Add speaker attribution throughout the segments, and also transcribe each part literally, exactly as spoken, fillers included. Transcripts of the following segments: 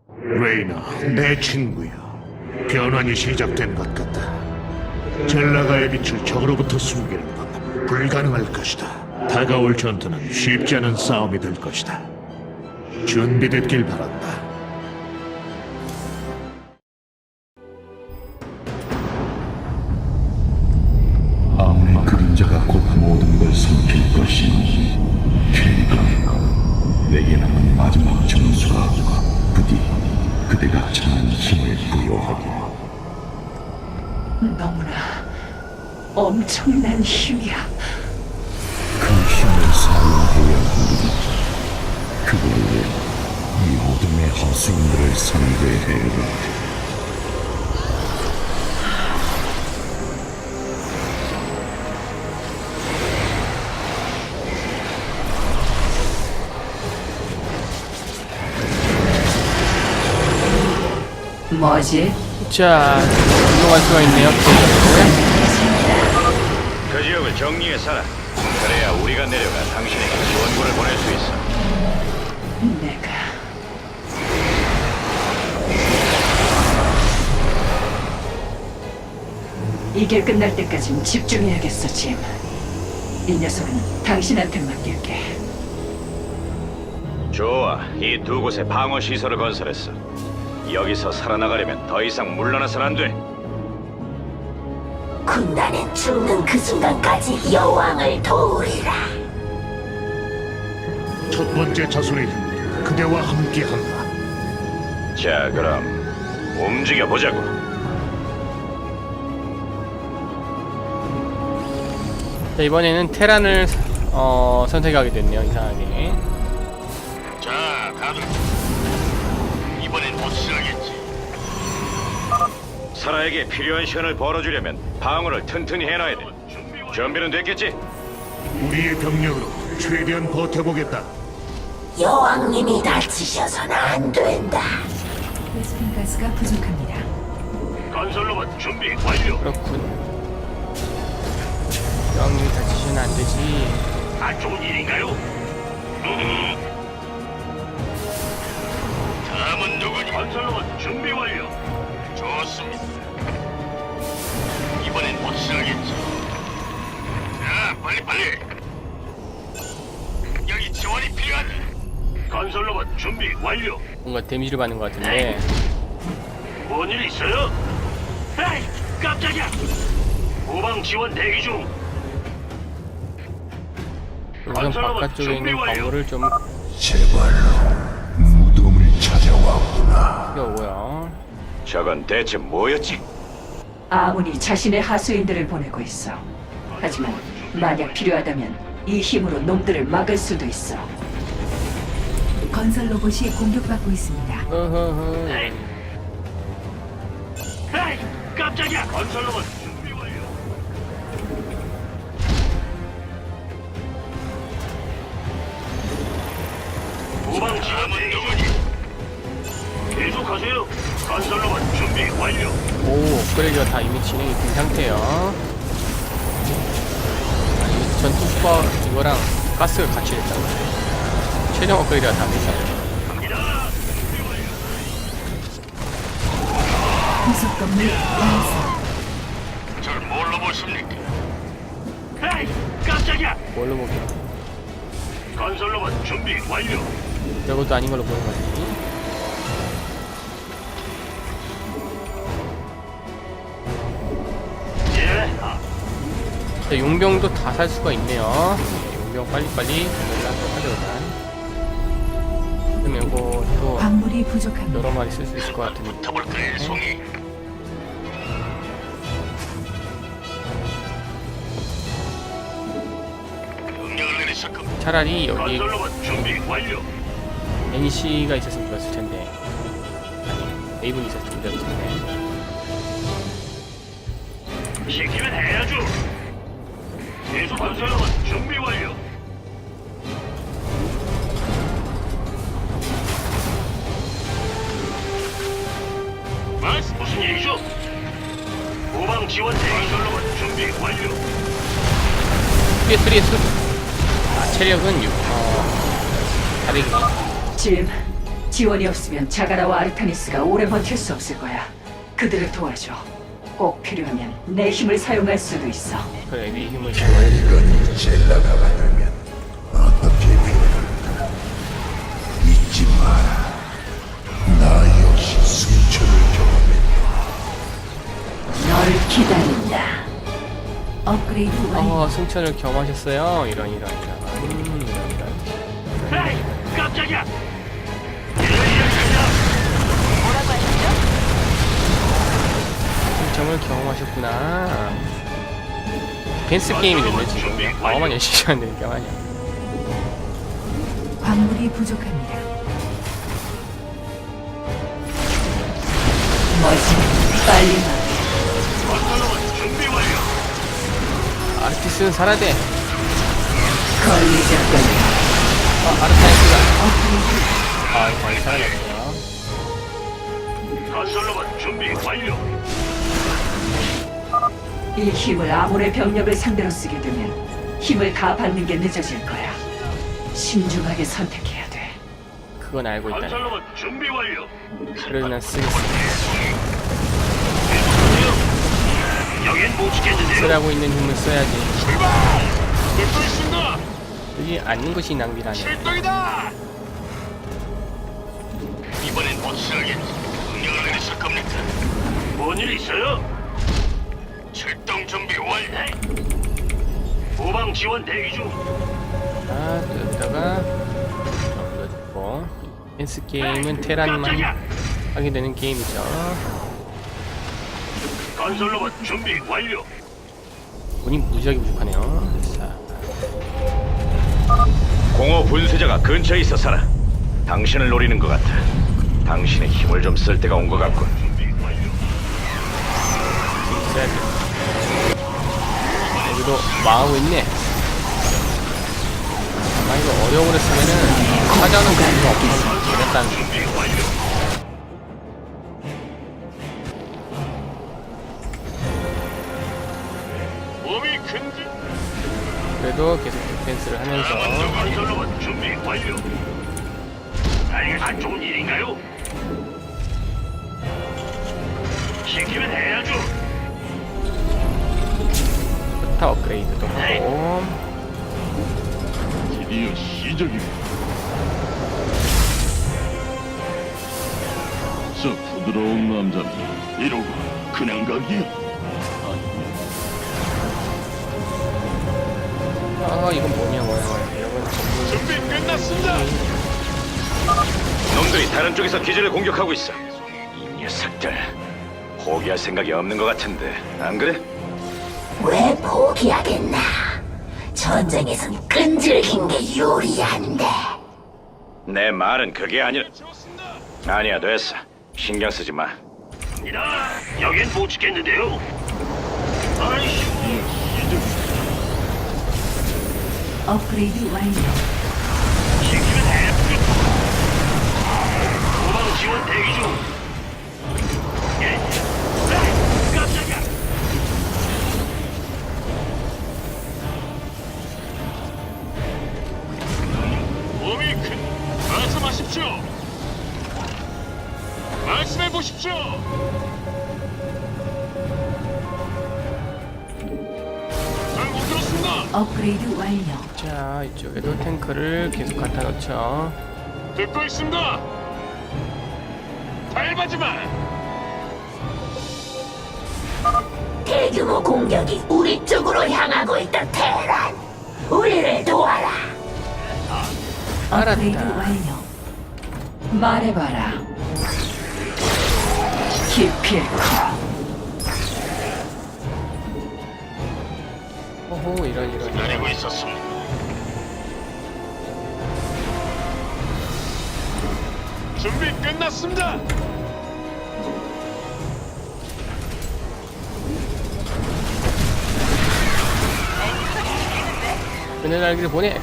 Speaker 1: 레이나, 내 친구야. 변환이 시작된 것 같다. 젤라가의 빛을 적으로부터 숨기는 건 불가능할 것이다. 다가올 전투는 쉽지 않은 싸움이 될 것이다. 준비됐길 바란다.
Speaker 2: 아무리 그림자가 곧 모든 걸 삼킬 것이니 그러니까 내게 남은 마지막 점수가 부디 그대가 찾는 힘을 부여하기를.
Speaker 3: 너무나 엄청난 힘이야.
Speaker 2: 그 힘을 사용해야 한다. 그걸 위해 이 어둠의 하수인들을 상대해야 한다.
Speaker 3: 뭐지?
Speaker 4: 자, 이동할 수가 있네요.
Speaker 5: 그 지역을 정리해 살아. 그래야 우리가 내려가 당신에게 지원군을 보낼 수 있어.
Speaker 3: 내가 이게 끝날 때까진 집중해야겠어, 짐. 이 녀석은 당신한테 맡길게.
Speaker 5: 좋아, 이 두 곳에 방어 시설을 건설했어. 여기서 살아나가려면 더 이상 물러나선 안 돼.
Speaker 6: 군단은 죽는 그 순간까지 여왕을 도우리라.
Speaker 1: 첫 번째 자손의 힘, 그대와 함께한다.
Speaker 5: 자, 그럼 움직여 보자고.
Speaker 4: 자, 이번에는 테란을 어, 선택하게 됐네요. 이상하게.
Speaker 5: 자, 다들 이번엔 확실하겠지. 사라에게 필요한 시간을 벌어주려면 방어를 튼튼히 해놔야 돼. 준비는 됐겠지?
Speaker 1: 우리의 병력으로 최대한 버텨보겠다.
Speaker 6: 여왕님이 다치셔서는 안 된다.
Speaker 7: 베스핀 가스가 부족합니다.
Speaker 5: 건설로봇 준비 완료.
Speaker 4: 그렇군. 여왕님이 다치시면 안 되지.
Speaker 5: 안 좋은 일인가요? 음. 다음은 누구니? 건설로봇 준비 완료. 좋습니다. 이번엔 확실하겠지. 자, 빨리 빨리. 여기 지원이 필요하다. 건설로봇 준비 완료.
Speaker 4: 뭔가 데미지를 받는 것 같은데.
Speaker 5: 뭔 일 있어요? 에이, 깜짝이야. 후방 지원 대기 중.
Speaker 4: 우선 바깥쪽에 있는 광물을 좀
Speaker 2: 제발로 무덤을 찾아왔구나.
Speaker 4: 띄워오고요.
Speaker 5: 저건 대체 뭐였지?
Speaker 3: 아문이 자신의 하수인들을 보내고 있어. 하지만 만약 필요하다면 이 힘으로 놈들을 막을 수도 있어.
Speaker 7: 건설 로봇이 공격받고 있습니다.
Speaker 4: 허허허.
Speaker 5: 에이, 깜짝이야. 건설로봇 준비 완료. 후방 지원 대기 중. 계속하세요. 건설로봇 준비 완료.
Speaker 4: 오, 업그레이드가 다 이미 진행이 된 상태예요. 아니, 전투 수박 이거랑 가스가 같이 됐다고. 최종 업그레이드가 다 됐어요.
Speaker 5: 갑니다.
Speaker 7: 부속 건물 완성.
Speaker 5: 절 뭘로 보십니까? 에이, 깜짝이야.
Speaker 4: 뭘로 보게요?
Speaker 5: 건설로봇 준비 완료.
Speaker 4: 이것도 아닌 걸로 보는 거지.
Speaker 5: 예. 아,
Speaker 4: 자, 용병도 다 살 수가 있네요. 용병 빨리빨리 연락을 하죠, 일단. 그러면 이거 또
Speaker 7: 광물이 부족합니다.
Speaker 4: 여러 마리 쓸 수 있을 것 같은데.
Speaker 5: 붙어볼까요, 송이? 명령을 내리실 겁니다.
Speaker 4: 차라리 여기
Speaker 5: 건설로봇 준비 완료.
Speaker 4: 엔씨가 있었으면 좋았을 텐데. 아니, 에이븐이 있었으면 좋았을 텐데.
Speaker 5: 시키면 해야죠. 계속 건설로봇 준비 완료. 말씀 무슨 일이죠? 후방 지원 대기 건설로봇 준비 완료.
Speaker 4: 피에스리의 수, 아, 체력은 육, 어, 사백이네.
Speaker 3: 짐, 지원이 없으면 자가라와 아르타니스가 오래 버틸 수 없을 거야. 그들을 도와줘. 꼭 필요하면 내 힘을 사용할 수도 있어.
Speaker 4: 그래, 네 힘을 사용해.
Speaker 2: 이건 젤라가가 되면 어떻게 변할까? 잊지 마라. 나 역시 승천을 경험했다.
Speaker 3: 너를 기다린다.
Speaker 7: 업그레이드 완료.
Speaker 4: 어, 승천을 겸하셨어요. 이런, 이런, 이런. 음, 이런, 이런.
Speaker 5: 에이, 깜짝이야.
Speaker 4: 승천을 경험하셨구나. 댄스 게임이 됐네, 지금. 마음만 열심히 하면 되는 게 아니야.
Speaker 7: 광물이 부족합니다.
Speaker 3: 뭐지? 빨리 말해.
Speaker 5: 준비 완료.
Speaker 4: 아르티스는 살아야 돼.
Speaker 3: 걸리지 않거냐.
Speaker 4: 아, 아르타이스가. 아, 이거 많이 살아났어요.
Speaker 5: 건설로봇 준비 완료.
Speaker 3: 이 힘을 아몬의 병력을 상대로 쓰게 되면 힘을 다 받는 게 늦어질 거야. 신중하게 선택해야 돼.
Speaker 4: 그건 알고 있다.
Speaker 5: 건설로봇 준비 완료.
Speaker 4: 그래도 난 쓰겠어.
Speaker 5: 여긴 못 지켰는데요.
Speaker 4: 쓰라고 있는 힘을 써야지.
Speaker 5: 듣고 있습니다.
Speaker 4: 쓰지 않는 것이 낭비라네.
Speaker 5: 출동이다. 이번엔 확실하게 명령을 내리실 겁니까? 뭔일 있어요? 출동 준비 완료. 후방 지원 대기 중.
Speaker 4: 아, 또 여기다가 눌러주고. 댄스 게임은 테란만
Speaker 5: 깜짝이야.
Speaker 4: 하게 되는 게임이죠.
Speaker 5: 건설로봇 준비 완료.
Speaker 4: 운이 무지하게 부족하네요. 자,
Speaker 5: 공허 분쇄자가 근처에 있어서라. 당신을 노리는 것 같아. 당신의 힘을 좀 쓸 때가 온 것 같군.
Speaker 4: 써야 돼. 여기도 망하고 있네. 아, 이거 어려운 걸 쓰면은 찾아오는 경우가 없어서 그랬다는 거.
Speaker 5: 몸이 큰지.
Speaker 4: 그래도 계속 디펜스를 하면서
Speaker 5: 건설로봇 준비 완료. 아니, 안 좋은 일인가요? 시키면 해야죠.
Speaker 4: 스타 업그레이드도 하고.
Speaker 5: 드디어 시작이다. 저 부드러운 남자는 이러고 그냥 가기야?
Speaker 4: 아, 이건 뭐냐 뭐냐 이런 건 전부
Speaker 5: 준비 끝났습니다. 놈들이 다른 쪽에서 기지를 공격하고 있어. 이 녀석들 포기할 생각이 없는 것 같은데 안 그래?
Speaker 6: 왜 포기하겠나? 전쟁에선 끈질긴 게 유리한데.
Speaker 5: 내 말은 그게 아니라. 아니야, 됐어. 신경 쓰지 마. 여긴 못 지켰는데요. 아이씨.
Speaker 7: 업그레이드 완료.
Speaker 5: 시키면 해. 도망 지원 대기 중. 예. 에이, 깜짝이야. 몸이 큰. 말씀하십시오. 말씀해 보십시오. 잘못 들었습니다.
Speaker 7: 업그레이드 완료.
Speaker 4: 자, 이쪽에도 탱크를 계속 갖다 놓죠.
Speaker 5: 듣고 있습니다. 밟아지 마.
Speaker 6: 대규모 공격이 우리 쪽으로 향하고 있다, 테란. 우리를 도와라.
Speaker 7: 업그레이드
Speaker 4: 알았다.
Speaker 7: 완료.
Speaker 3: 말해봐라. 기필코.
Speaker 4: 호호, 이런 이런
Speaker 5: 기다리고
Speaker 4: 이런.
Speaker 5: 있었습니다. 준비 끝났습니다.
Speaker 4: 그늘 날개를 보내.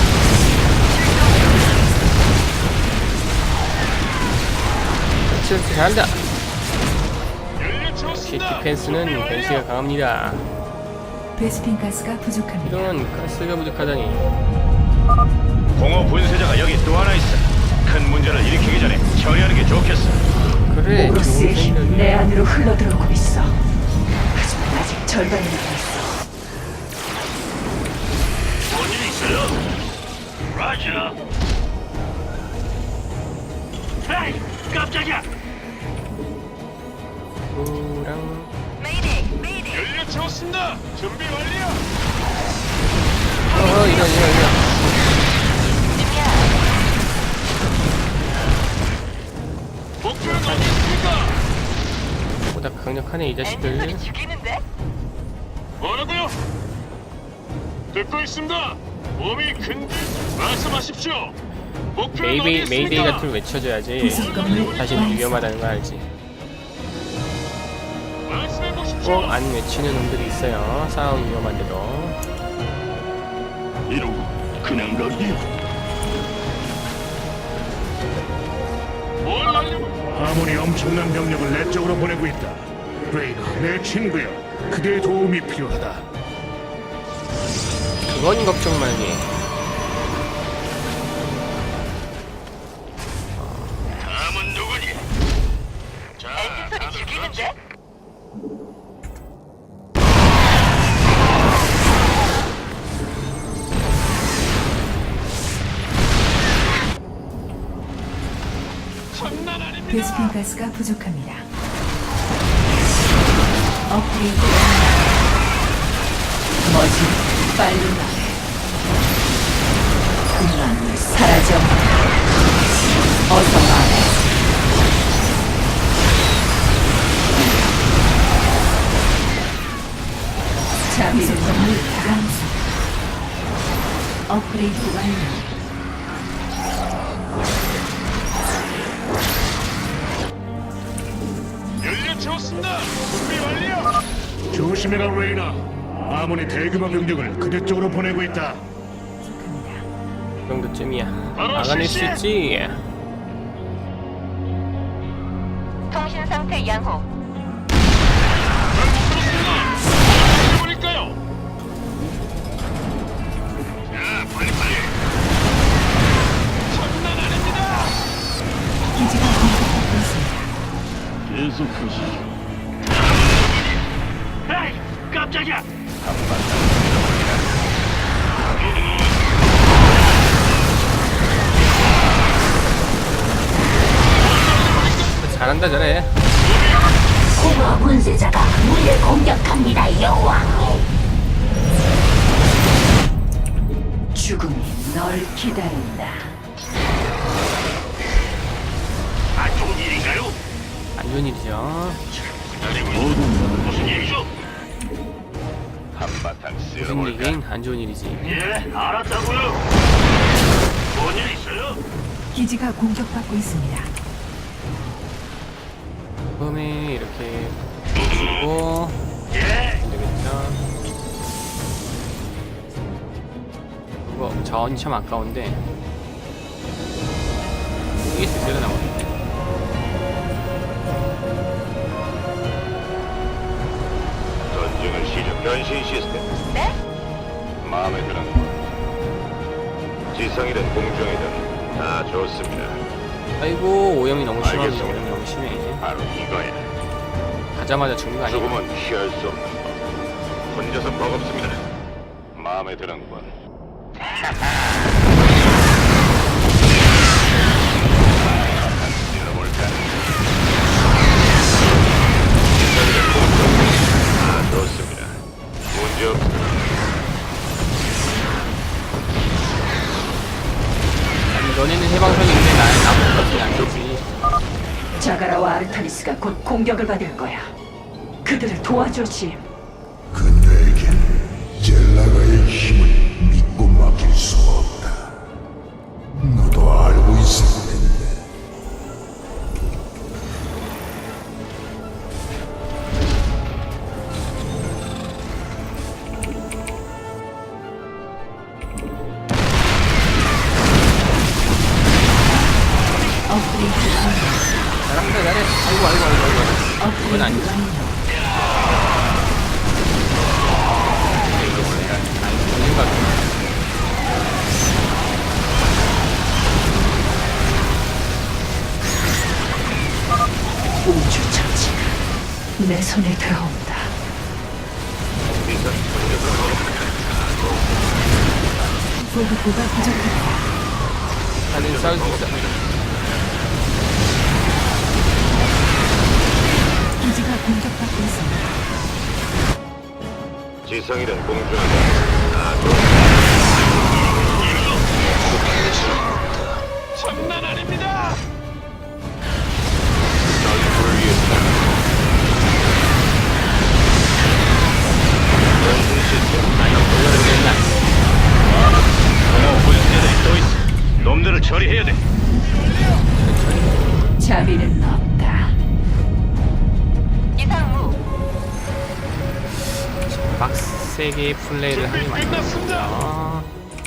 Speaker 4: 칠 잘한다. 역시 디펜스는 벤시가 강합니다.
Speaker 7: 베스핀 가스가 부족합니다.
Speaker 4: 이런 가스가 부족하다니.
Speaker 5: 공허 분쇄자가 여기 또 하나 있어. 큰 문제를 일으키기 전에 처리하는 게 좋겠어.
Speaker 4: 그래, 좋은
Speaker 3: 오로스의 힘이
Speaker 4: 생각이야.
Speaker 3: 내 안으로 흘러들어오고 있어. 하지만 아직 절반이 남아있어.
Speaker 5: 뭔일 있어요? 라자. 에이, 깜짝이야.
Speaker 4: 우랑
Speaker 5: 연료 채웠습니다. 준비 완료.
Speaker 4: 어, 이런 이런 이런.
Speaker 5: 목표는 어디 있습니까?
Speaker 4: 보다 강력하네 이 자식들.
Speaker 5: 뭐라고요? 듣고 있습니다. 몸이 근 말씀하십시오. 목표는 어디
Speaker 4: 메이데이
Speaker 5: 있습니까?
Speaker 4: 메이데이 같은 걸 외쳐줘야지. 자신이 위험하다는 걸 알지.
Speaker 5: 말씀해 보십시오.
Speaker 4: 꼭 안 외치는 놈들이 있어요. 상황 위험한데도.
Speaker 5: 이러고 그냥 가기요. 뭘 하려고?
Speaker 1: 아몬이 엄청난 병력을 내 쪽으로 보내고 있다. 레이나, 내 친구야. 그대의 도움이 필요하다.
Speaker 4: 그건 걱정 말게.
Speaker 5: 다음은 누구니? 자, 엔진 소리 죽이는데? 장난 아닙니다.
Speaker 7: 베스핀 가스가 부족합니다. 업그레이드
Speaker 3: 뭐지? 빨리 말해. 그만 사라져. 어서 말해. 자비를
Speaker 7: 부속 건물 완성. 업그레이드 완료.
Speaker 5: 연료 채웠습니다. 준비 완료.
Speaker 1: 조심해라, 레이나. 아몬이 대규모 병력을 그대 쪽으로 보내고 있다.
Speaker 7: 부족합니다.
Speaker 4: 그 정도쯤이야.
Speaker 5: 바로
Speaker 4: 막아낼 수
Speaker 5: 실시!
Speaker 4: 있지.
Speaker 8: 통신 상태 양호.
Speaker 5: 잘못 들었습니다. 해버릴까요? 자, 빨리 빨리. 장난 아닙니다.
Speaker 7: 기지가 공격받고 있습니다.
Speaker 5: 계속하시죠. 에이, 깜짝이야.
Speaker 4: 잘한다 잘해.
Speaker 6: 공허 분쇄자가 우리를 공격합니다, 여왕.
Speaker 3: 죽음이 널 기다린다.
Speaker 5: 아, 좋은 일인가요?
Speaker 4: 안 좋은 일이죠.
Speaker 5: 무슨 일이죠? 한바탕
Speaker 4: 무슨
Speaker 5: 쓸어볼까?
Speaker 4: 일이긴 안 좋은 일이지.
Speaker 5: 예, 알았다고요. 뭔일 있어요?
Speaker 7: 기지가 공격받고 있습니다.
Speaker 4: 처음에 이렇게 주고
Speaker 5: 예.
Speaker 4: 안 되겠죠. 이거 자원이 참 아까운데 이게 스스로 나오네.
Speaker 5: 전쟁을 시작. 변신 시스템.
Speaker 8: 네?
Speaker 5: 마음에 드는 거. 지성이든 공중이든 다 좋습니다.
Speaker 4: 아이고 오염이 너무 심하네.
Speaker 5: 알겠습니다.
Speaker 4: 오염이 너무 심해.
Speaker 5: 바로 이거야.
Speaker 4: 가자마자 죽는 거 아니야?
Speaker 5: 죽음은 피할 수 없는 법. 혼자서 버겁습니다. 마음에 드는군. 찔러볼까? 아, 좋습니다. 문제 없습니다.
Speaker 4: 아니 너네는 해방선인데 나는 아무것도 안 되지.
Speaker 3: 자가라와 아르타니스가 곧 공격을 받을 거야. 그들을 도와줘, 짐.
Speaker 2: 그녀에겐 젤라가의 힘을 믿고 맡길 수가 없다. 너도 알고 있을 텐데.
Speaker 7: 업그레이드 완료.
Speaker 4: 잘한다 잘해. 그건 아니지. 아닌 것 같아.
Speaker 3: 우주 정치가 내 손에 들어온다.
Speaker 7: 보급고가 부족합니다.
Speaker 4: 다들 싸울 수 있어.
Speaker 7: 기지가 공격받고 있습니다.
Speaker 5: 지성이든 공중이든 장난 아닙니다. 전투를 위해서 전신 시스템 안녕 돌려야 어머 불세들이 또 있어. 놈들을 처리해야 돼.
Speaker 3: 자비는 없다.
Speaker 8: 이상무.
Speaker 4: 빡세게 플레이를 하니 많습니다.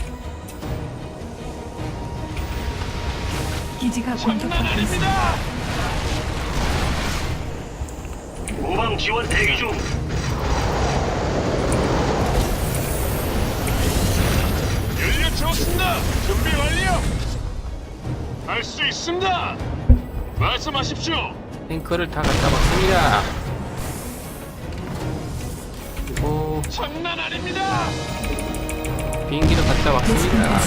Speaker 7: 기지가 공격받고 있습니다.
Speaker 5: 후방 지원 대기 중. 연료 채웠습니다. 준비 완료. 할 수 있습니다. 말씀하십시오.
Speaker 4: 탱크를 다 갖다 박습니다. 그리고
Speaker 5: 장난 아닙니다.
Speaker 4: 비행기도 갖다 박습니다.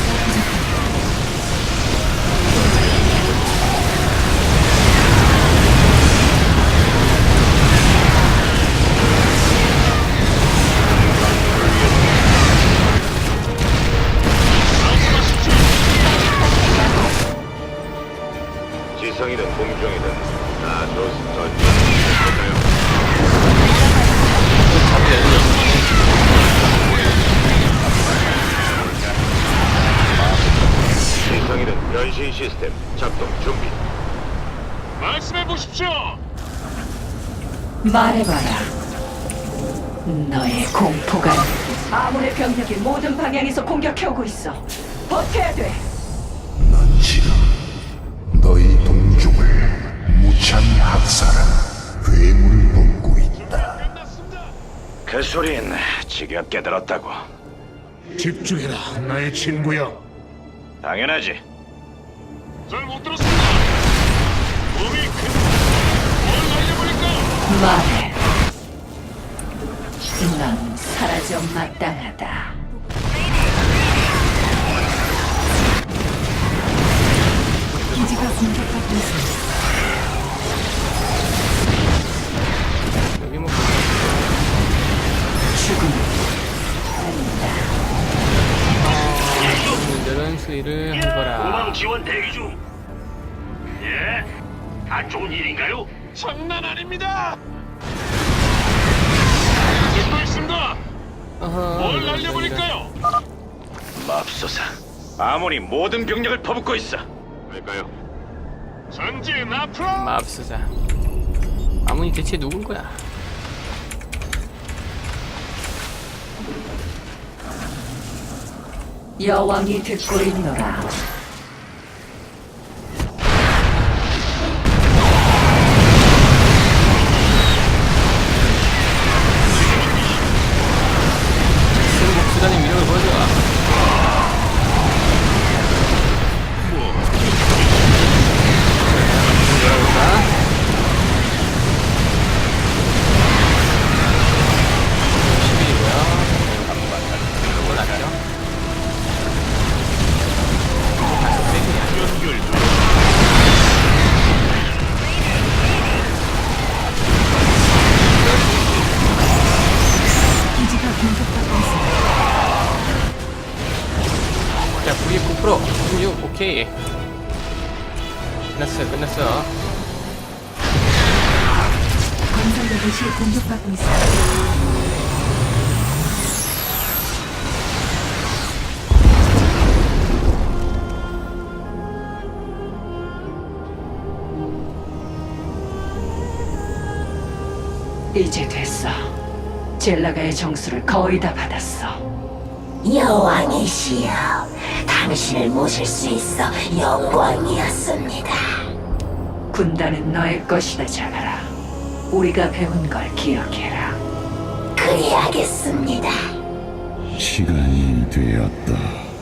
Speaker 5: 지성이든 공중이든 다 좋습니다. 지성이든 변신 시스템 작동 준비. 말씀해 보십시오.
Speaker 3: 말해봐라. 너의 공포가 아몬의 병력이 모든 방향에서 공격해오고 있어. 버텨야 돼.
Speaker 2: 넌 지금 너희 동족을 무참히 학살한 괴물을 돕고 있다.
Speaker 5: 그 소린 지가 깨달았다고.
Speaker 1: 집중해라, 나의 친구야.
Speaker 5: 당연하지. 잘 못 들었습니다. 몸이 큰뭘 날려버릴까?
Speaker 3: 말해. 넌 사라져 마땅하다.
Speaker 7: 기지가 공격받고 있습니다.
Speaker 4: 여기 뭐
Speaker 3: 죽음은 아니다.
Speaker 4: 분들은 수리를 해보라.
Speaker 5: 지원 대기 중. 예? 안 좋은 일인가요? 장난 아닙니다. 듣고 있습니다. 뭘 날려버릴까요? 맙소사. 아몬이 모든 병력을 퍼붓고 있어. 왜일까요? 전진 앞으로.
Speaker 4: 맙소사. 아문이 대체 누군 거야?
Speaker 3: 여왕이 듣고 있노라.
Speaker 4: 승복 수단의 위력을 보여줘.
Speaker 7: 기지가 공격받고 있습니다.
Speaker 4: 자, 구십구 퍼센트, 구십육, 오케이. 끝났어, 끝났어.
Speaker 7: 건설 로봇이 공격받고 있습니다.
Speaker 3: 이제 됐어. 젤라가의 정수를 거의 다 받았어.
Speaker 6: 여왕이시여, 당신을 모실 수 있어 영광이었습니다.
Speaker 3: 군단은 너의 것이다, 자가라. 우리가 배운 걸 기억해라.
Speaker 6: 그리하겠습니다.
Speaker 2: 시간이 되었다.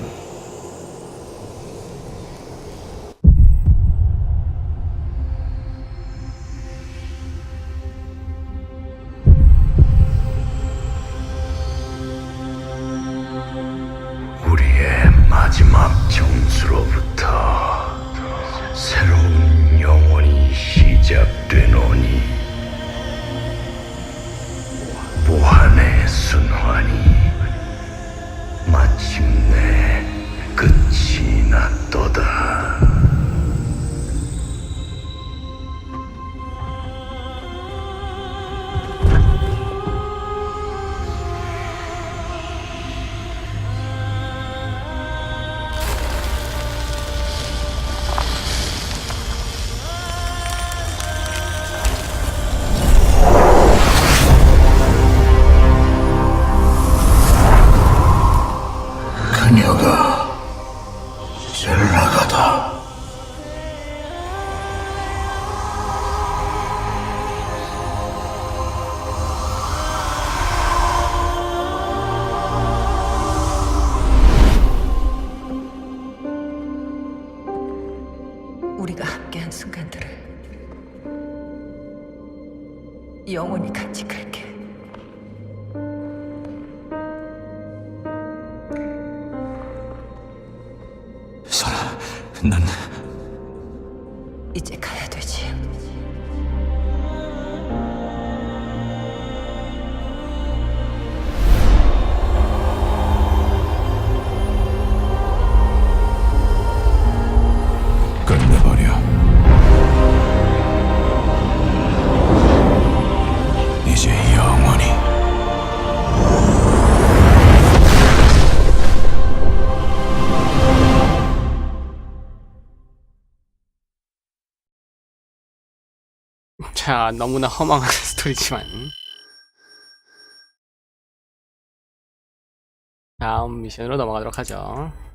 Speaker 2: 우리의 마지막 정수로부터 새로운 영혼이 시작되노니 무한의 순환이 마침내 끝이 났도다. 그녀가 젤라가다.
Speaker 3: 우리가 함께한 순간들을 영원히 간직할게.
Speaker 2: 설아, 난
Speaker 3: 이제 가야 되지.
Speaker 2: 끝내버려. 이제 영원히.
Speaker 4: 자, 너무나 허망한 스토리지만 다음 미션으로 넘어가도록 하죠.